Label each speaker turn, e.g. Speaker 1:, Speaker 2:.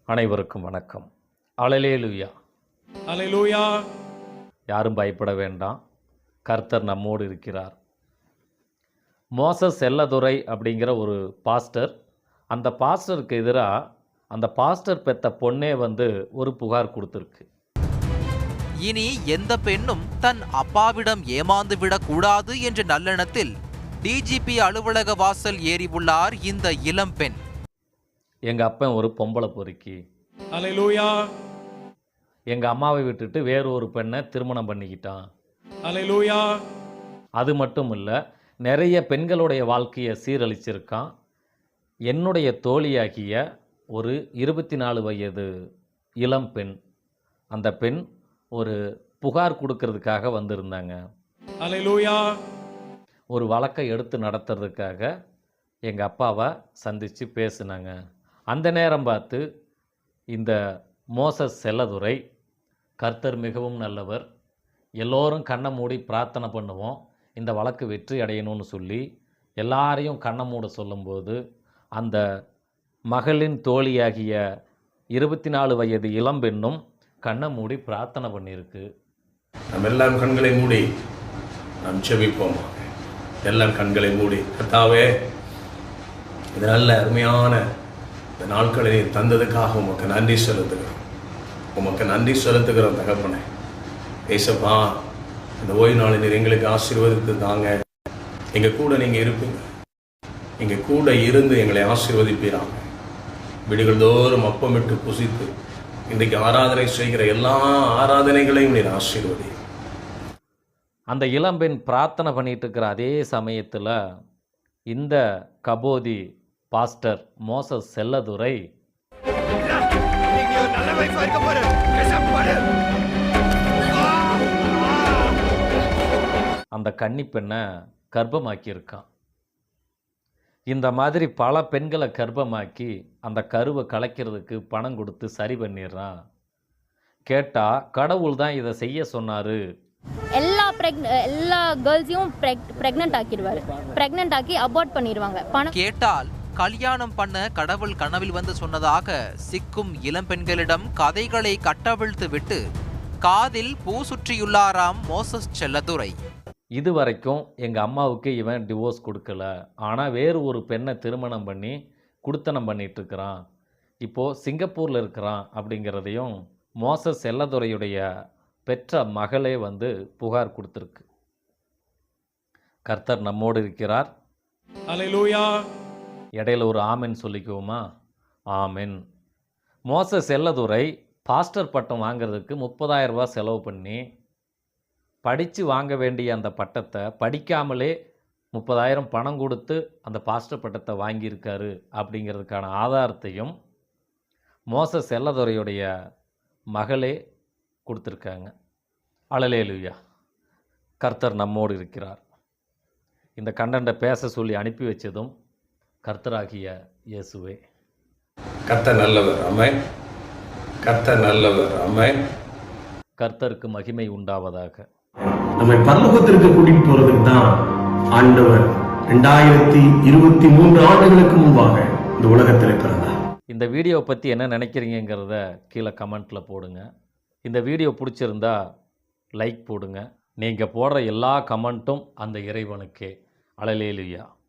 Speaker 1: அனைவருக்கும் வணக்கம். அல்லேலூயா.
Speaker 2: அல்லேலூயா.
Speaker 1: யாரும் பயப்பட வேண்டாம். கர்த்தர் நம்மோடு இருக்கிறார். மோசஸ் செல்லதுரை அப்படிங்கிற ஒரு பாஸ்டர், அந்த பாஸ்டருக்கு எதிராக அந்த பாஸ்டர் பெத்த பொண்ணே ஒரு புகார் கொடுத்துருக்கு.
Speaker 3: இனி எந்த பெண்ணும் தன் அப்பாவிடம் ஏமாந்து விடக்கூடாது என்ற நல்லெண்ணத்தில் டிஜிபி அலுவலக வாசல் ஏறி உள்ளார் இந்த இளம் பெண்.
Speaker 1: எங்கள் அப்பன் ஒரு பொம்பளை பொறுக்கி.
Speaker 2: அல்லேலூயா.
Speaker 1: எங்கள் அம்மாவை விட்டுட்டு வேறு ஒரு பெண்ணை திருமணம் பண்ணிக்கிட்டான்.
Speaker 2: அல்லேலூயா.
Speaker 1: அது மட்டும் இல்லை, நிறைய பெண்களுடைய வாழ்க்கையை சீரழிச்சிருக்கான். என்னுடைய தோழியாகிய ஒரு 24 வயது இளம் பெண், அந்த பெண் ஒரு புகார் கொடுக்கறதுக்காக வந்திருந்தாங்க.
Speaker 2: அல்லேலூயா.
Speaker 1: ஒரு வழக்கை எடுத்து நடத்துறதுக்காக எங்கள் அப்பாவை சந்தித்து பேசினாங்க. அந்த நேரம் பார்த்து இந்த மோசஸ் செல்லதுரை, கர்த்தர் மிகவும் நல்லவர், எல்லோரும் கண்ணை மூடி பிரார்த்தனை பண்ணுவோம், இந்த வழக்கு வெற்றி அடையணும்னு சொல்லி எல்லாரையும் கண்ணை மூட சொல்லும்போது, அந்த மகளின் தோழியாகிய 24 வயது இளம்பெண்ணும் கண்ணை மூடி பிரார்த்தனை பண்ணியிருக்கு.
Speaker 4: நம்ம எல்லாம் கண்களை மூடி நாம் செபிப்போம். எல்லாம் கண்களை மூடி, கர்த்தாவே, இது நல்ல அருமையான இந்த நாட்களை நீர் தந்ததுக்காக உமக்கு நன்றி செலுத்துகிறோம். உமக்கு நன்றி செலுத்துகிறோம் தகப்பனே. ஏசப்பா, இந்த ஓய்வு நாளை நீர் எங்களுக்கு ஆசீர்வதித்து தாங்க. எங்கள் கூட நீங்கள் இருப்பீங்க, எங்கள் கூட இருந்து எங்களை ஆசீர்வதிப்பீராங்க. வீடுகள் தோறும் அப்பமிட்டு புசித்து இன்றைக்கு ஆராதனை செய்கிற எல்லா ஆராதனைகளையும் நீர் ஆசீர்வதி.
Speaker 1: அந்த இளம்பெண் பிரார்த்தனை பண்ணிட்டு இருக்கிற அதே சமயத்தில் இந்த கபோதி பாஸ்டர் மோசஸ் செல்லதுரை அந்த கன்னி பெண்ணை கர்ப்பமாக்கியிருக்கான். இந்த மாதிரி பல பெண்களை கர்ப்பமாக்கி அந்த கருவை கலைக்கிறதுக்கு பணம் கொடுத்து சரி பண்ணிடுறான். கேட்டால் கடவுள் தான் இதை செய்ய சொன்னார்.
Speaker 5: எல்லா கேர்ள்ஸையும் பிரெக்னென்ட் ஆக்கிடுவாரு. பிரெக்னென்ட் ஆக்கி அபார்ட் பண்ணிடுவாங்க. பணம்
Speaker 3: கேட்டால் கல்யாணம் பண்ண கடவுள் கனவில் வந்து சொன்னதாக சிக்கும் இளம் பெண்களிடம் கதைகளை கட்டவிழ்த்து விட்டு காதில் பூ சுற்றியுள்ளாராம் மோசஸ் செல்லதுரை.
Speaker 1: இதுவரைக்கும் எங்கள் அம்மாவுக்கு இவன் டிவோர்ஸ் கொடுக்கல, ஆனால் வேறு ஒரு பெண்ணை திருமணம் பண்ணி குடுத்தனம் பண்ணிகிட்ருக்கிறான், இப்போது சிங்கப்பூரில் இருக்கிறான் அப்படிங்கிறதையும் மோசஸ் செல்லதுரையுடைய பெற்ற மகளே புகார் கொடுத்துருக்கு. கர்த்தர் நம்மோடு இருக்கிறார்.
Speaker 2: அல்லேலூயா.
Speaker 1: இடையில ஒரு ஆமென் சொல்லிக்குவோமா? ஆமென். மோசஸ் செல்லதுரை பாஸ்டர் பட்டம் வாங்கிறதுக்கு 30,000 ரூபாய் செலவு பண்ணி படித்து வாங்க வேண்டிய அந்த பட்டத்தை படிக்காமலே 30,000 பணம் கொடுத்து அந்த பாஸ்டர் பட்டத்தை வாங்கியிருக்காரு அப்படிங்கிறதுக்கான ஆதாரத்தையும் மோசஸ் செல்லதுரையுடைய மகளே கொடுத்துருக்காங்க. அல்லேலூயா. கர்த்தர் நம்மோடு இருக்கிறார். இந்த கண்டென்ட்டை பேச சொல்லி அனுப்பி வச்சதும் கர்த்தராகிய இயேசுவே.
Speaker 4: கர்த்தர் நல்லவர். ஆமென். கர்த்தர் நல்லவர். ஆமென்.
Speaker 1: கர்த்தருக்கு மகிமை உண்டாவதாக.
Speaker 6: நம்மை பரலோகத்திற்கு கூட்டிட்டு போறதுக்கு தான் ஆண்டவர் 2023 ஆண்டுகளுக்கு முன்பாக இந்த உலகத்தில் பிறந்தார்.
Speaker 1: இந்த வீடியோவை பற்றி என்ன நினைக்கிறீங்கிறத கீழே கமெண்ட்டில் போடுங்க. இந்த வீடியோ பிடிச்சிருந்தா லைக் போடுங்க. நீங்கள் போடுற எல்லா கமெண்ட்டும் அந்த இறைவனுக்கே. அல்லேலூயா.